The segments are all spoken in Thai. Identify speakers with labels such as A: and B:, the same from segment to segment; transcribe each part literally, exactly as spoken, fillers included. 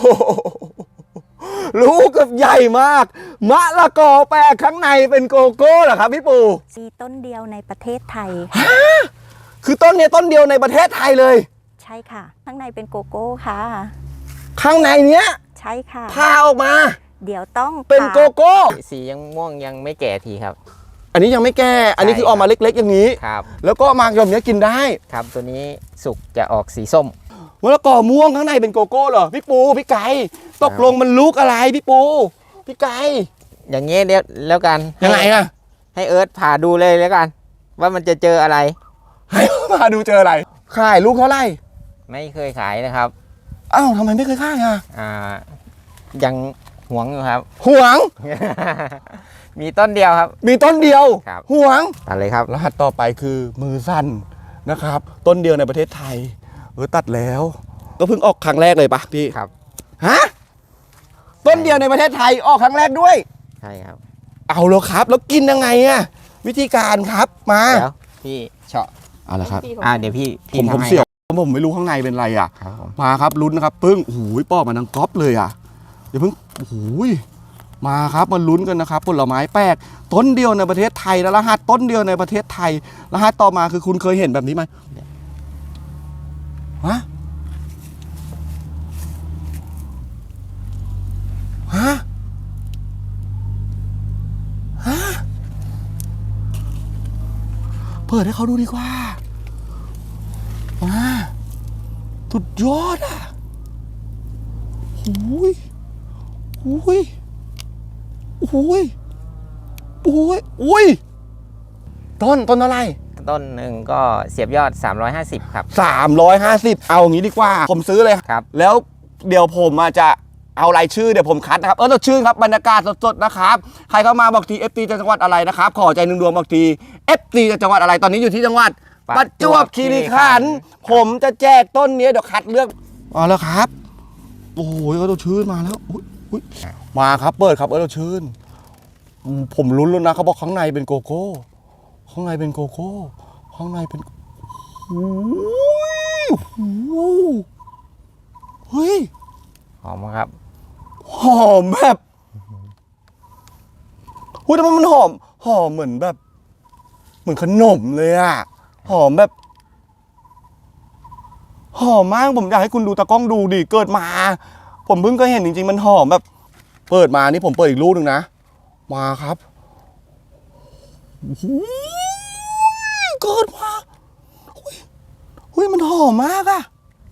A: ลูกกับใหญ่มากมะละกอแปลกข้างในเป็นโกโก้เหรอครับพี่ปู
B: มีต้นเดียวในประเทศไทย
A: คือต้นนี้ต้นเดียวในประเทศไทยเลย
B: ใช่ค่ะข้างในเป็นโกโก้ค่ะ
A: ข้างในเนี้ย
B: ใช่ค่ะ
A: พาออกมา
B: เดี๋ยวต้อง
A: เป็นโกโก้
C: สียังม่วงยังไม่แก่ทีครับ
A: อันนี้ยังไม่แก่อันนี้คือออกมาเล็กๆอย่างนี้
C: ครับ
A: แล้วก็มาแบบนี้กินได้
C: ครับตัวนี้สุกจะออกสีส้ม
A: มะละกอม่วงข้างในเป็นโกโก้เหรอพี่ปูพี่ไก่ตกลงมันลูกอะไรพี่ปูพี่ไก่
C: อย่างเงี้ยเดี๋ยวแล้วกัน
A: ยังไงอะ
C: ให้เอิร์ธผ่าดูเลยแล้วกันว่ามันจะเจออะไร
A: ให้มาดูเจออะไรขายลูกเท่าไหร่
C: ไม่เคยขายนะครับ
A: อ้าวทำไมไม่เคยขายอ่ะ
C: อ่ายังหวงอยู่ครับ
A: หวง
C: มีต้นเดียวครับ
A: มีต้นเดียวหวง
C: ตัดเลยครับ
A: รหัสต่อไปคือมือสั้นนะครับต้นเดียวในประเทศไทยเออตัดแล้วก็เพิ่งออกครั้งแรกเลยปะพี่
C: ครับ
A: ฮะต้นเดียวในประเทศไทยออกครั้งแรกด้วย
C: ใช่ครับ
A: เอาแล้วครับแล้วกินยังไงอะวิธีการครับมา
C: เดี๋ยวพี่เฉาะ
A: เอาละครับ
C: อ่าเดี๋ยวพี่
A: ผมผมเสี่ยวผมไม่รู้ข้างในเป็นอะไรอ่ะมาครับลุ้นนะครับปึ้งโอ้โหปอกมาดังก๊อปเลยอ่ะเดี๋ยวเพิ่งโอ้โหมาครับมาลุ้นกันนะครับผลไม้แปลกต้นเดียวในประเทศไทยแล้วรหัสต้นเดียวในประเทศไทยรหัสต่อมาคือคุณเคยเห็นแบบนี้ไหมฮะฮะฮะเปิดให้เขาดูดีกว่ามาสุดยอดอ่ะหูยหูยหูยหูยอุ้ยต้นต้นอะไร
C: ต้นหนึ่งก็เสียบยอดสามร้อยห้าสิบครับ
A: สามร้อยห้าสิบเอาอย่างนี้ดีกว่าผมซื้อเลย
C: ครับ
A: แล้วเดี๋ยวผมจะเอารายชื่อเดี๋ยวผมคัดนะครับเออเราชื่อครับบรรยากาศสดๆนะครับใครเข้ามาบอกที เอฟ ซี จากจังหวัดอะไรนะครับขอใจหนึ่งดวงบอกที เอฟ ซี จากจังหวัดอะไรตอนนี้อยู่ที่จังหวัดประจวบคีรีขันธ์ผมจะแจกต้นนี้เดี๋ยวคัดเลือกเอาแล้วครับโอ้โหเออเราชื่นมาแล้วมาครับเปิดครับเออเราชื่นผมลุ้นแล้วนะเขาบอกข้างในเป็นโกโก้ข้างในเป็นโกโก้ข้างในเป็นโอ้ยเฮ้ย
C: หอมครับ
A: หอมแบบหุ้ยแต่มันหอมหอมเหมือนแบบเหมือนขนมเลยอะหอมแบบหอมมากผมอยากให้คุณดูตากล้องดูดิเกิดมาผมเพิ่งเคยเห็นจริงๆมันหอมแบบเปิดมานี่ผมเปิดอีกลูกหนึ่งนะมาครับเกิดมาหุ้ยมันหอมมากอะ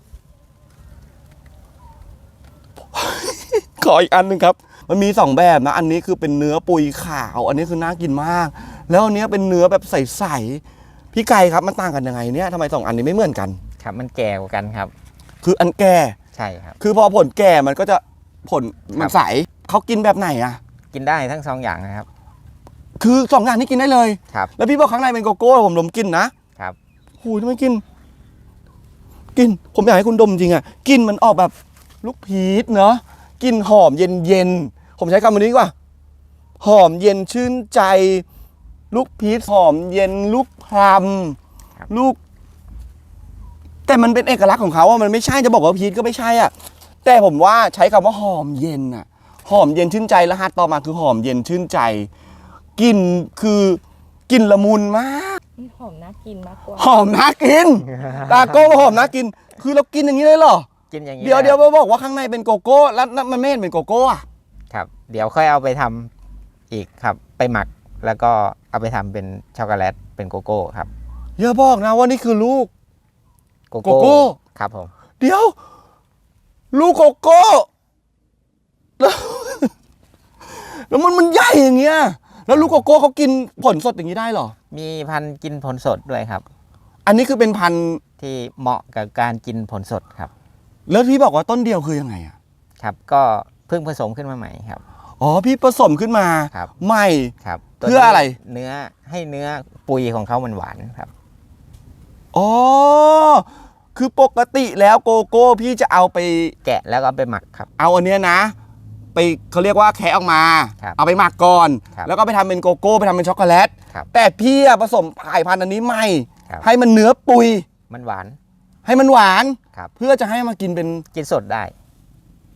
A: ขออีกอันหนึ่งครับมันมีสองแบบนะอันนี้คือเป็นเนื้อปุยขาวอันนี้คือน่ากินมากแล้วอันนี้เป็นเนื้อแบบใสๆพี่ไก่ครับมันต่างกันยังไงเนี่ยทำไมสองอันนี้ไม่เหมือนกัน
C: ครับมันแก่กว่ากันครับ
A: คืออันแก่
C: ใช่ครับ
A: คือพอผลแก่มันก็จะผลมันใสเขากินแบบไหนอ่ะ
C: กินได้ทั้งสองอย่างนะครับ
A: คือสองอย่างนี้กินได้เลย
C: ครับ
A: แล้วพี่บอกข้างในเป็นโกโก้ผมดมกินนะครับหูยทำไมกินกินผมอยากให้คุณดมจริงอ่ะกินมันออกแบบลูกพีชเนาะกลิ่นหอมเย็นๆผมใช้คำนี้ดีกว่าหอมเย็นชื่นใจลูกพีชหอมเย็นลูกพลัมลูกแต่มันเป็นเอกลักษณ์ของเขาว่ามันไม่ใช่จะบอกว่าพีชก็ไม่ใช่อ่ะแต่ผมว่าใช้คำว่าหอมเย็นอ่ะหอมเย็นชื่นใจรหัสต่อมาคือหอมเย็นชื่นใจกลิ่นคือกลิ่นละมุนมาก
B: หอมน่ากินมากกว่า
A: หอมน่ากินตาโก้หอมน่ากินคือเรากินอย่างนี้เลยเหรอ
C: กินอย่างนี้
A: เดี๋ยวเดี๋ยวบอกว่าข้างในเป็นโกโก้แล้วมันไม่เห็นเป็นโกโก้อะ
C: ครับเดี๋ยวค่อยเอาไปทำอีกครับไปหมักแล้วก็เอาไปทำเป็นช็อกโกแลตเป็นโกโก้ครับ
A: อย่าบอกนะว่านี่คือลูก
C: โกโก้ครับผม
A: เดี๋ยวลูกโกโก้แล้วแล้วมันมันใหญ่อย่างเงี้ยแล้วลูกโกโก้เขากินผลสดอย่างนี้ได้หรอ
C: มีพันธุ์กินผลสดด้วยครับ
A: อันนี้คือเป็นพันธุ์
C: ที่เหมาะกับการกินผลสดครับ
A: แล้วพี่บอกว่าต้นเดียวคือยังไงอ่ะ
C: ครับก็เพิ่งผสมขึ้นมาใหม่ครับ
A: อ๋อพี่ผสมขึ้นมาใหม่
C: ครับ
A: เพื่ออะไร
C: เนื้อให้เนื้อปุยของเขามันหวานครับ
A: อ๋อคือปกติแล้วโกโก้พี่จะเอาไป
C: แกะแล้วก็ไปหมักครับ
A: เอาอันเนี้ยนะไปเขาเรียกว่าแคะออกมาเอาไปหมักก่อนแล้วก็ไปทำเป็นโกโก้ไปทำเป็นช็อกโกแลตแต่พี่ผสมสายพันธุ์อันนี้ใหม่ให้มันเนื้อปุย
C: มันหวาน
A: ให้มันหวานเพื่อจะให้มากินเป็น
C: กินสดได้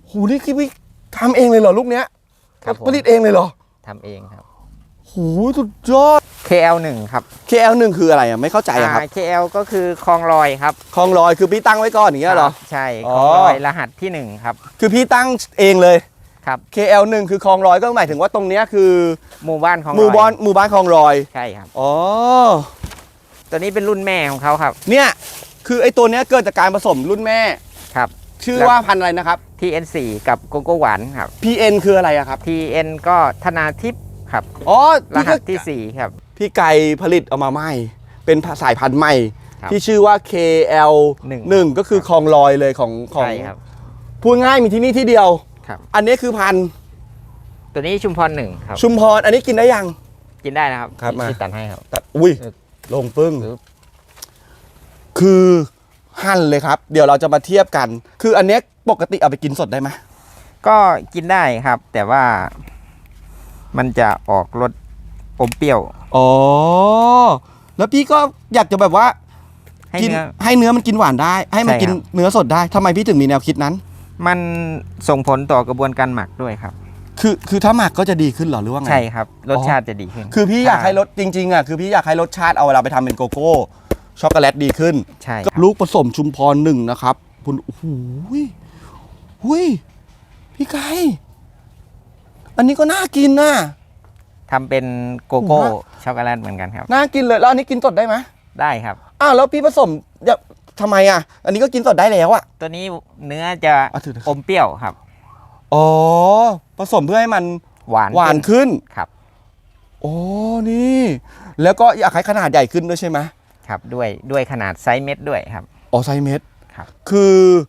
A: หูนี่คิดว่าทำเองเลยเหรอลูกเนี้ย
C: ครับผม
A: ผลิตเองเลยเหรอ
C: ทำเองครับ
A: หูสุดยอด
C: เค แอล หนึ่งครับ
A: เค แอล หนึ่งคืออะไรอ่ะไม่เข้าใจอะครับ
C: อ่า เค แอล ก็คือคลองลอยครับ
A: คลองลอยคือพี่ตั้งไว้ก่อนอย่างเงี้ยเหรอ
C: ครับใช่
A: อ๋
C: ค
A: อ
C: ลองลอยรหัสที่หนึ่งครับ
A: คือพี่ตั้งเองเลย
C: ครับ
A: เค แอล หนึ่งคือคลองลอยก็หมายถึงว่าตรงเนี้ยคือ
C: หมู่บ้านคลองลอย
A: หมู่บ้านหมู่บ้านคลองลอย
C: ใช่ครับ
A: อ๋อ
C: ตัวนี้เป็นรุ่นแม่ของเขาครับ
A: เนี่ยคือไอ้ตัวเนี้ยเกิดจากการผสมรุ่นแม่
C: ครับ
A: ชื่อว่าพันธุ์อะไรนะครับ
C: ที เอ็น โฟร์ กับโกโก้หวานครับ
A: พี เอ็น คืออะไรอะครับ
C: ที เอ็น ก็ธนาทิพย์ครับ
A: อ๋อ
C: ร
A: พี่
C: หั
A: ก็
C: สที่สี่ครับ
A: พี่ไก่ผลิตออกมาใหม่ เป็นสายพันธุ์ใหม่
C: ครับ
A: ที่ชื่อว่า เค แอล
C: หนึ่ง
A: หนึ่งก็คือคลองลอยเลยของของ
C: ใช่ครับ
A: พูดง่ายมีที่นี่ที่เดียว
C: ครับ
A: อันนี้คือพันธุ์
C: ตัวนี้ชุมพรหนึ่งครับ
A: ชุมพรอันนี้กินได้ยัง
C: กินได้นะครับ
A: ครับมา
C: ที่ตัดให้ครับ
A: แต่อุ้ย
C: เออ
A: ลงปึ้ง
C: ปึ๊บ
A: คือหั่นเลยครับ เดี๋ยวเราจะมาเทียบกัน คืออันเนี้ยปกติเอาไปกินสดได้ไหม
C: ก็กินได้ครับ แต่ว่ามันจะออกรสอมเปรี้ยว
A: อ๋อ แล้วพี่ก็อยากจะแบบว่า
C: ให้
A: กิน
C: เนื้อ
A: ให้เนื้อมันกินหวานได้ ให้มัน
C: ใช่
A: กิน
C: ครับ
A: เนื้อสดได้ทำไมพี่ถึงมีแนวคิดนั้น
C: มันส่งผลต่อกระบวนการหมักด้วยครับ
A: คือคือถ้าหมักก็จะดีขึ้นเหรอหรือว่าไง
C: ใช่ครับ รสชาติจะดีขึ้น
A: คือพี่อยากให้รสจริงๆอ่ะคือพี่อยากให้รสชาติเอาเวลาไปทำเป็นโกโก้ช็อกโกแลตดีขึ้น
C: ใช่ครับ
A: ลูกผสมชุมพรหนึ่งนะครับคุณโอ้โหยหุยพี่ไก่อันนี้ก็น่ากินนะ
C: ทำเป็นโกโก้
A: ผมว่า
C: ช็อกโกแลตเหมือนกันครับ
A: น่ากินเลยแล้วอันนี้กินสดได้ไหม
C: ได้ครับ
A: อ้าวแล้วพี่ผสมอย่าทำไมอ่ะ อันนี้ก็กินสดได้แล้วอ่ะ
C: ตัวนี้เนื้อจะ
A: อ่ะถือเถอะ
C: อมเปรี้ยวครับ
A: อ๋อผสมเพื่อให้มัน
C: หวาน
A: หวานขึ้น
C: ครับ
A: โอ้นี่ แล้วก็อยากให้ขนาดใหญ่ขึ้นด้วยใช่ไหม
C: ครับด้วยด้วยขนาดไซส์เม็ดด้วยครับ
A: อ๋อไซส์เม็ด
C: ครับ
A: คือ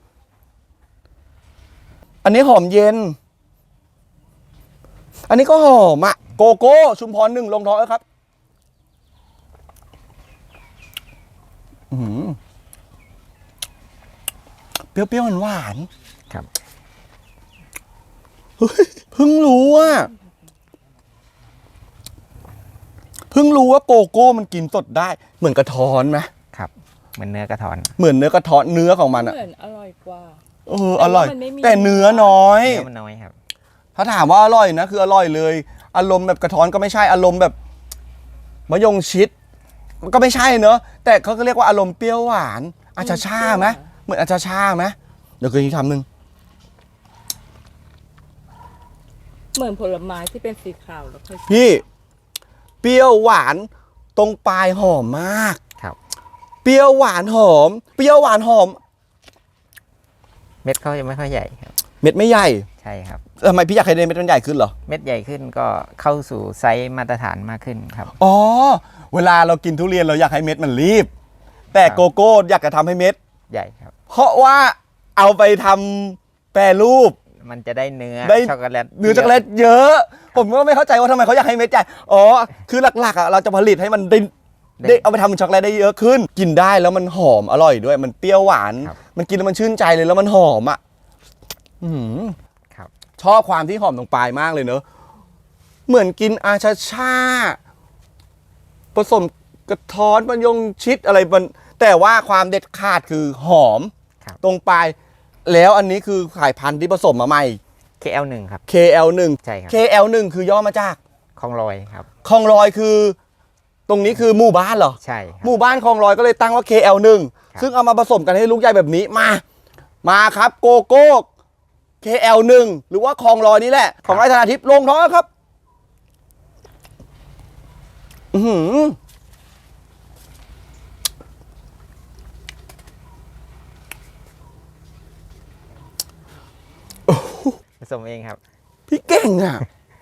A: อันนี้หอมเย็น อันนี้ก็หอมอะโกโก้ชุมพรหนึ่งลงท้องแล้วครับอื้อหือเปรี้ยวๆหวานๆ
C: ครับ
A: เฮ้ยเพิ่งรู้ว่าเพิ่งรู้ว่าโกโก้มันกินสดได้ เหมือนกระท้อนไหม
C: ครับเหมือนเนื้อกระท้อน
A: เหมือนเนื้อกระท้อนเนื้อของมันอะ
B: เหมือนอร่อยกว่า
A: เอออร่อย
B: แต่ว่ามันไม่มี
A: แต่เนื้อน้อย
C: เนื้อมันน้อยครับ
A: ถ้าถามว่าอร่อยนะคืออร่อยเลย อารมณ์แบบกระท้อนก็ไม่ใช่อารมณ์แบบมะยงชิดมันก็ไม่ใช่เนอะแต่เขาก็เรียกว่าอารมณ์เปรี้ยวหวานอาจจะชาไหมเหมือนอาจจะชาไหมเดี๋ยวกินอีกคำหนึ่ง
B: เหมือนผลไม้ที่เป็นสีขาวแล้วค่อย
A: พี่เปรี้ยวหวานตรงปลายหอมมาก
C: ครับ
A: เปรี้ยวหวานหอม เปรี้ยวหวานหอม
C: เม็ดเขาจะไม่ค่อยใหญ่ครับ
A: เม็ดไม่ใหญ่
C: ใช่ครับ
A: ทำไมพี่อยากให้เม็ดมันใหญ่ขึ้นเหรอ
C: เม็ดใหญ่ขึ้นก็เข้าสู่ไซส์มาตรฐานมากขึ้นครับ
A: อ๋อเวลาเรากินทุเรียนเราอยากให้เม็ดมันรีบ แต่
C: ครับ
A: โกโก้อยากจะทำให้เม็ด
C: ใหญ่ครับ
A: เพราะว่าเอาไปทำแปรรูป
C: มันจะได้เนื้อ
A: ได้
C: ช็อกโกแลต
A: เนื้อช็อกโกแลตเยอะ ผมก็ไม่เข้าใจว่าทำไมเขาอยากให้เม็ดใหญ่อ๋อคือหลักๆอ่ะเราจะผลิตให้มันได้ได้เอาไปทำเป็นช็อกโกแลตได้เยอะขึ้น กินได้แล้วมันหอมอร่อยด้วย มันเปรี้ยวหวาน
C: ครับ
A: มันกินแล้วมันชื่นใจเลยแล้วมันหอมอ่ะอื้อหือ
C: ครับ
A: ชอบความที่หอมตรงปลายมากเลยเนอะเหมือนกินอาชาชาผสมกระท้อนมะยงชิดอะไรมันแต่ว่าความเด็ดขาดคือหอม
C: ครับ
A: ตรงปลาย แล้วอันนี้คือสายพันธุ์ที่ผสมมาใหม่
C: เค แอล หนึ่งครับ
A: เค แอล หนึ่ง
C: ใช่ครับ
A: เค แอล หนึ่งคือย่อมาจาก
C: คลองลอยครับ
A: คลองลอยคือ ตรงนี้คือหมู่บ้านเหรอ
C: ใช่ครับ
A: หมู่บ้านคลองลอยก็เลยตั้งว่า เค แอล หนึ่ง
C: ครับ
A: ซึ่งเอามาผสมกันให้ลูกใหญ่แบบนี้มา มาครับโกโก้ เค แอล หนึ่ง หรือว่าคลองลอยนี่แหละ ของไร่ธนาทิพย์ลงท้องแล้วครับ อือหือ
C: ผสมเองครับ
A: พี่เก่งอ่ะ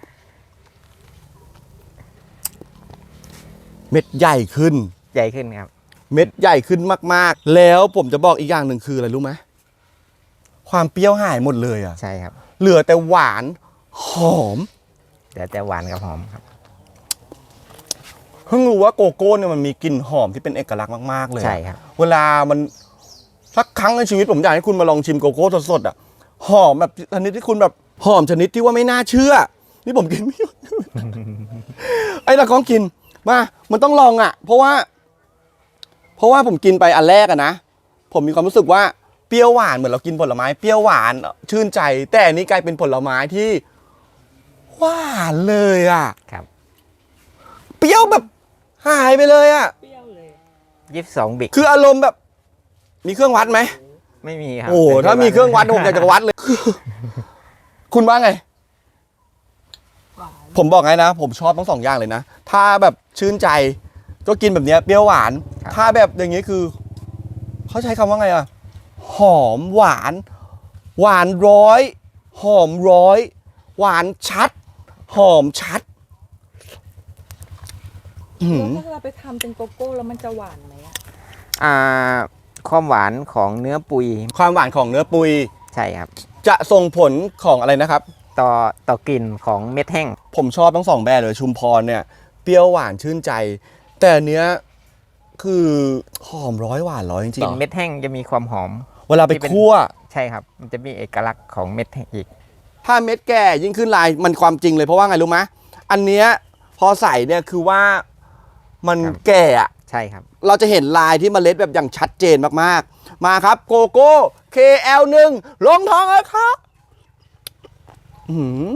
A: เม็ดใหญ่ขึ้น
C: ใหญ่ขึ้นครับ
A: เม็ดใหญ่ขึ้นมากๆ แล้วผมจะบอกอีกอย่างหนึ่งคืออะไรรู้ไหมความเปรี้ยวหายหมดเลยอ่ะ
C: ใช่ครับ
A: เหลือแต่หวานหอม
C: เดี๋ยวแต่หวานกับหอมครับ
A: เพิ่งรู้ว่าโกโก้เนี่ยมันมีกลิ่นหอมที่เป็นเอกลักษณ์มากๆเลยอะ
C: ใช่ครับ
A: เวลามันสักครั้งในชีวิตผมอยากให้คุณมาลองชิมโกโก้สดๆอ่ะหอมแบบชนิดที่คุณแบบหอมชนิดที่ว่าไม่น่าเชื่อ นี่ผมกินไม่หยุด ไอ้ตะก้องกินมามันต้องลองอ่ะ เพราะว่า เพราะว่าผมกินไปอันแรกอะนะผมมีความรู้สึกว่าเเปรี้ยวหวานเหมือนเรากินผลไม้เปรี้ยวหวานชื่นใจ แต่อันนี้กลายเป็นผลไม้ที่หวานเลยอ่ะ
C: ครับ
A: เปรี้ยวแบบหายไปเลยอ่ะ
B: เปรี้ยวเลย
C: ยี่สิบสองบิก
A: คืออารมณ์แบบมีเครื่องวัดไหม
C: ไม่มีครับ
A: โอ้โหถ้ามีเครื่องวัดผมอยากจะวัดเลย คุณว่าไง
B: หวาน
A: ผมบอกไงนะ ผมชอบทั้งสองอย่างเลยนะ ถ้าแบบชื่นใจก็กินแบบเนี้ยเปรี้ยวหวาน ถ้าแบบอย่างนี้คือเขาใช้คำว่าไงอะหอมหวาน หวานร้อย หอมร้อย หวานชัด หอมชัดอื้อหื
B: แล้ว
A: อ
B: ถ้าเราไปทำเป็นโกโก้แล้วมันจะหวานไหมอะ
C: อ่าความหวานของเนื้อปุย
A: ความหวานของเนื้อปุย
C: ใช่ครับ
A: จะส่งผลของอะไรนะครับ
C: ต่อต่อกลิ่นของเม็ดแห้ง
A: ผมชอบทั้งสองแบบเลยชุมพรเนี่ยเปรี้ยวหวานชื่นใจ แต่อันเนี้ยคือหอมร้อยหวานร้อยจริ
C: กลิ่
A: ง
C: นเม็ดแห้งจะมีความหอม
A: ๆเวลาไปคั่ว
C: ใช่ครับ มันจะมีเอกลักษณ์ของเม็ดแห้งอีก
A: ถ้าเม็ดแก่ยิ่งขึ้นลายมันความจริงเลยเพราะว่าไงรู้ไหมอันเนี้ยพอใส่เนี่ยคือว่ามัน
C: ครับ
A: แก่อะ
C: ใช่ครับ
A: เราจะเห็นลายที่เมล็ดแบบอย่างชัดเจนมากๆ มาครับโกโก้ เค แอล หนึ่งลงท้องแล้วครับอื้อหือ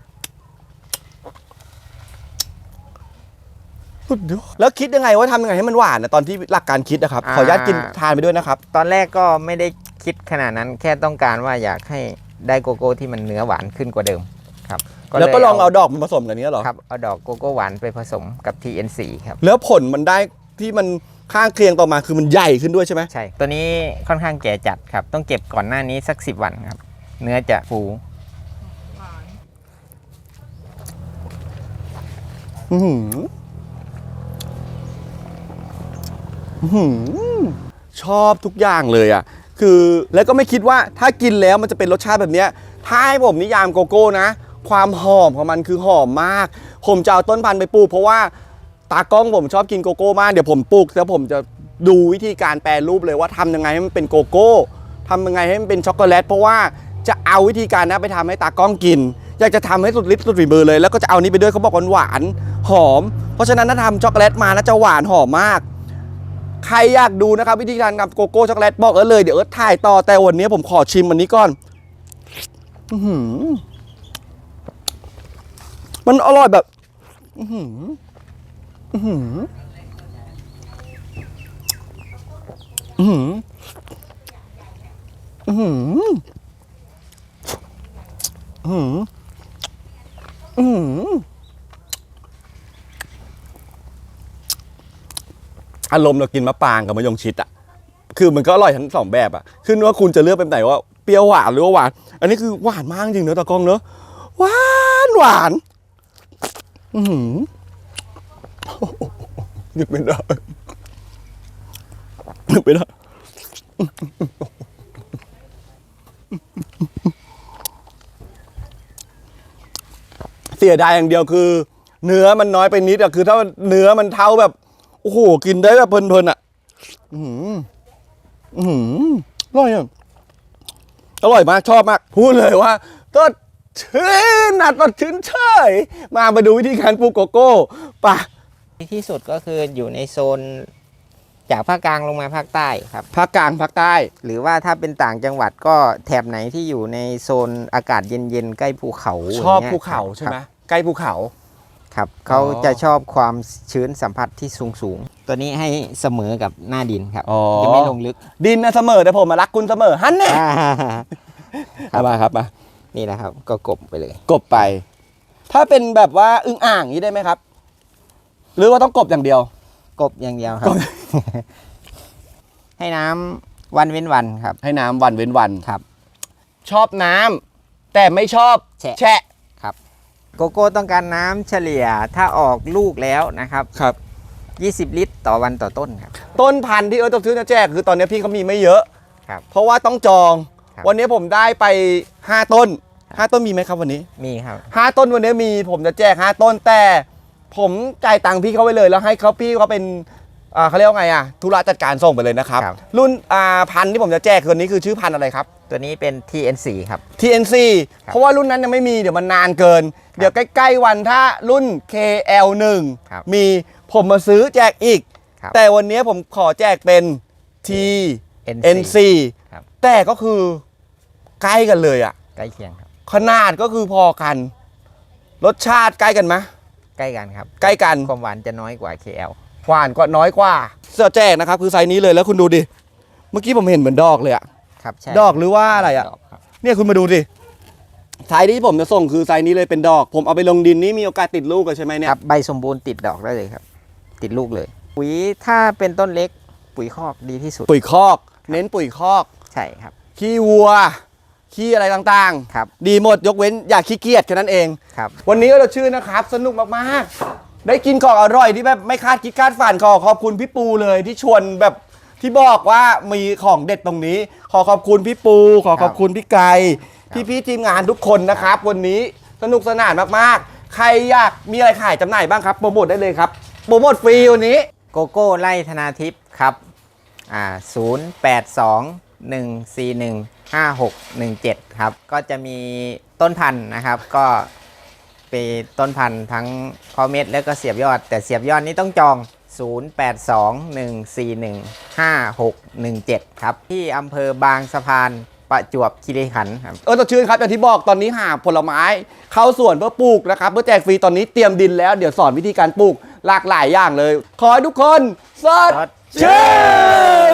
A: สุดยอดแล้วคิดยังไงว่าทำยังไงให้มันหวานนะตอนที่หลักการคิดนะครับ
C: อ่า
A: ขออนุญาตกินทานไปด้วยนะครับ
C: ตอนแรกก็ไม่ได้คิดขนาดนั้น แค่ต้องการว่าอยากให้ได้โกโก้ที่มันเนื้อหวานขึ้นกว่าเดิมครับ
A: แล้วก็ลองเอาดอกมันผสมกันเนี้ยเหรอ
C: ครับเอาดอกโกโก้หวานไปผสมกับ ที เอ็น ซี ครับ
A: แล้วผลมันได้ที่มันข้างเคียงต่อมาคือมันใหญ่ขึ้นด้วยใช่ไหม
C: ใช่ ตัวนี้ค่อนข้างแก่จัดครับ ต้องเก็บก่อนหน้านี้สักสิบวันครับ เนื้อจะฟู
B: หวาน
A: อื้อหืออื้อหือชอบทุกอย่างเลยอ่ะ คือแล้วก็ไม่คิดว่าถ้ากินแล้วมันจะเป็นรสชาติแบบเนี้ยถ้าให้ผมนิยามโกโก้นะ ความหอมของมันคือหอมมาก ผมจะเอาต้นพันธุ์ไปปลูกเพราะว่าตากล้องผมชอบกินโกโก้มาก เดี๋ยวผมปลูกแล้วผมจะดูวิธีการแปรรูปเลยว่าทำยังไงให้มันเป็นโกโก้ทำยังไงให้มันเป็นช็อกโกแลตเพราะว่าจะเอาวิธีการนะไปทำให้ตากล้องกิน อยากจะทำให้สุดฤทธิ์สุดฝีมือเลยแล้วก็จะเอานี้ไปด้วยเขาบอกหวานๆหอม เพราะฉะนั้นถ้าทำช็อกโกแลตมานะจะหวานหอมมาก ใครอยากดูนะครับวิธีการทำโกโก้ช็อกโกแลตบอกเออเลยเดี๋ยวเออถ่ายต่อแต่วันนี้ผมขอชิมอันนี้ก่อนอื้อหือมันอร่อยแบบอื้อหืออื้อหืออื้อหืออื้อหืออื้อหืออื้อหืออารมณ์เรากินมะปรางกับมะยงชิดอ่ะคือมันก็อร่อยทั้งสองแบบอ่ะขึ้นว่าคุณจะเลือกเป็นไหนว่าเปรี้ยวหวานหรือว่าหวานอันนี้คือหวานมากจริงเนอะตากล้องเนอะหวานหวานอือหือนึกไม่ได้นึกไม่ได้เสียดายอย่างเดียวคือ เนื้อมันน้อยไปนิดอะคือถ้าเนื้อมันเท่าแบบโอ้โหกินได้แบบเพลินๆอะอืออืออร่อยอะอร่อยมากชอบมากพูดเลยว่าก็ชื่นนัดก็ชื่นเฉยมามาดูวิธีการปลูกโกโก้ป่ะ
C: ที่สุดก็คืออยู่ในโซนจากภาคกลางลงมาภาคใต้ครับ
A: ภาคกลางภาคใต้
C: หรือว่าถ้าเป็นต่างจังหวัดก็แถบไหนที่อยู่ในโซนอากาศเย็นๆใกล้ภูเขา
A: ชอบ
C: ย่งงี้ย
A: ภูเขาใช่ไหม
C: ครับ
A: ใกล้ภูเขา
C: ครับเขาจะชอบความชื้นสัมผัสที่สูงๆ ตัวนี้ให้เสมอกับหน้าดินครับ
A: อ๋อ
C: จะไม่ลงลึก
A: ดินนะเสมอแต่ผมมารักคุณเสมอฮันแน่
C: ครับ
A: มาครับมา
C: นี่นะครับก็กบไปเลย
A: กบไป ถ้าเป็นแบบว่าอึ่งอ่างนี้ได้ไหมครับ หรือว่าต้องกบอย่างเดียว
C: กบอย่างเดียวครับ ให้น้ำวันเว้นวันครับ
A: ให้น้ำวันเว้นวัน
C: ครับ
A: ชอบน้ำแต่ไม่ชอบ
C: แฉะ
A: แฉะ
C: โกโก้ต้องการน้ำเฉลี่ยถ้าออกลูกแล้วนะครับ
A: ครับ
C: ยี่สิบ ลิตรต่อวันต่อต้นครับ
A: ต้นพันธุ์ที่เออจะซื้อจะแจกคือตอนนี้พี่เขามีไม่เยอะ
C: ครับ
A: เพราะว่าต้องจอง
C: ครับ
A: วันนี้ผมได้ไปห้าต้นห้าต้นมีไหมครับวันนี้
C: มีครับ
A: ห้าต้นวันนี้มีผมจะแจกห้าต้นแต่ผมจ่ายตังค์พี่เขาไว้เลยแล้วให้เขาพี่เขาเป็นอ่าเขาเรียกว่าไงอ่ะธุระจัดการส่งไปเลยนะครับ
C: ครับ
A: รุ่นอ่าพันธุ์ที่ผมจะแจกคนนี้คือชื่อพันธุ์อะไรครับ
C: ตัวนี้เป็น ที เอ็น ซี ครับ
A: ที เอ็น ซี เพราะว่ารุ่นนั้นยังไม่มีเดี๋ยวมันนานเกิน เดี๋ยวใกล้ๆวันถ้ารุ่น เค แอล หนึ่ง
C: ครับ
A: มีผมมาซื้อแจกอีก
C: ครับ
A: แต่วันนี้ผมขอแจกเป็น ที
C: เอ็น
A: เอ็น ซี
C: ครับ
A: แต่ก็คือใกล้กันเลยอะ
C: ใกล้เคียงครับ
A: ขนาดก็คือพอกัน รสชาติใกล้กันไหม
C: ใกล้กันครับ
A: ใกล้กัน
C: ความหวานจะน้อยกว่า เค แอล
A: หวานก็น้อยกว่าเสื้อแจกนะครับคือไซส์นี้เลยแล้วคุณดูดิเมื่อกี้ผมเห็นเหมือนดอกเลยอะ
C: ครับใช่
A: ดอกหรือว่าอะไรอะ
C: ดกครับ
A: เนี่ยคุณมาดูดิไซส์ที่ผมจะส่งคือไซส์นี้เลยเป็นดอก ผมเอาไปลงดินนี่มีโอกาสติดลูกเลยใช่ไหมเนี่ย
C: ครับใบสมบูรณ์ติดดอกได้เลยครับ ติดลูกเลย ปุ๋ยถ้าเป็นต้นเล็กปุ๋ยคอกดีที่สุด
A: ปุ๋ยคอก เน้นปุ๋ยคอก
C: ใช่ครับ
A: ขี้วัวขี้อะไรต่าง
C: ครับ
A: ๆ ดีหมดยกเว้นอย่าขี้เกียจแค่นั้นเอง
C: ครับ
A: วันนี้เราชื่อนะครับสนุกมากๆ ได้กินของอร่อยที่แบบไม่คาดคิดคาดฝันขอขอบคุณพี่ปูเลยที่ชวนแบบที่บอกว่ามีของเด็ดตรงนี้ ขอขอบคุณพี่ปู ขอขอบคุณพี่ไก่พี่ๆทีมงานทุกคนนะครับ วันนี้สนุกสนานมากๆ ใครอยากมีอะไรขายจำหน่ายบ้างครับโปรโมทได้เลยครับโปรโมทฟรีวันนี้
C: โกโก้ไล่ธนาทิพย์ครับอ่าศูนย์แปดสองหนึ่งสี่หนึ่งห้าหกหนึ่งเจ็ดครับก็จะมีต้นพันธุ์นะครับ ก็เป็นต้นพันธุ์ทั้งเพาะเม็ดแล้วก็เสียบยอด แต่เสียบยอดนี้ต้องจอง ศูนย์ แปด สอง หนึ่ง สี่ หนึ่ง ห้า หก หนึ่ง เจ็ด ครับ ที่อำเภอบางสะพานประจวบคีรีขันธ์ครับ
A: เออต่อชื่นครับอย่างที่บอกตอนนี้หาผลไม้เข้าสวนเพื่อปลูกนะครับเพื่อแจกฟรีตอนนี้เตรียมดินแล้วเดี๋ยวสอนวิธีการปลูกหลากหลายอย่างเลย ขอให้ทุกคนสดชื่น